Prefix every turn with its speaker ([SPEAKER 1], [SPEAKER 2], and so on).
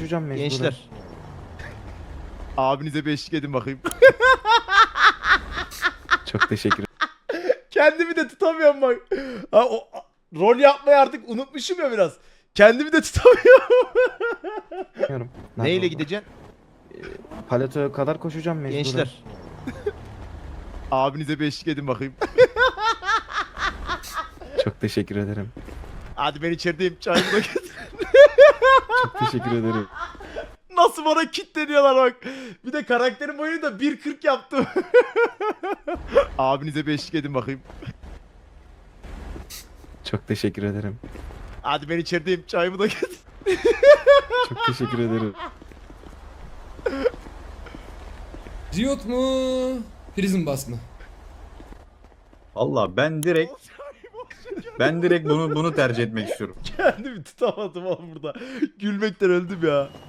[SPEAKER 1] koşacağım mecburen.
[SPEAKER 2] Gençler. Abinize bir eşlik edin bakayım.
[SPEAKER 1] Çok teşekkür
[SPEAKER 2] Kendimi de tutamıyorum bak. Rol yapmayı artık unutmuşum ya biraz. Kendimi de tutamıyorum.
[SPEAKER 1] ediyorum.
[SPEAKER 2] Neyle
[SPEAKER 1] Nerede
[SPEAKER 2] gideceksin?
[SPEAKER 1] o? Paletoya kadar koşacağım mecburen.
[SPEAKER 2] Gençler. Abinize bir eşlik edin bakayım.
[SPEAKER 1] Çok teşekkür ederim.
[SPEAKER 2] Hadi ben içerideyim. Çayımı da getir.
[SPEAKER 1] Çok teşekkür ederim.
[SPEAKER 2] Nasıl bana kitleniyorlar bak. Bir de karakterin boyunu da 1.40 yaptım. Abinize bir eşlik edin bakayım.
[SPEAKER 1] Çok teşekkür ederim.
[SPEAKER 2] Hadi ben içerideyim. Çayımı da getir.
[SPEAKER 1] Çok teşekkür ederim.
[SPEAKER 3] Riot mu? Prison Bus mı?
[SPEAKER 4] Valla ben direkt bunu tercih etmek istiyorum.
[SPEAKER 2] Kendimi tutamadım oğlum burada. Gülmekten öldüm ya.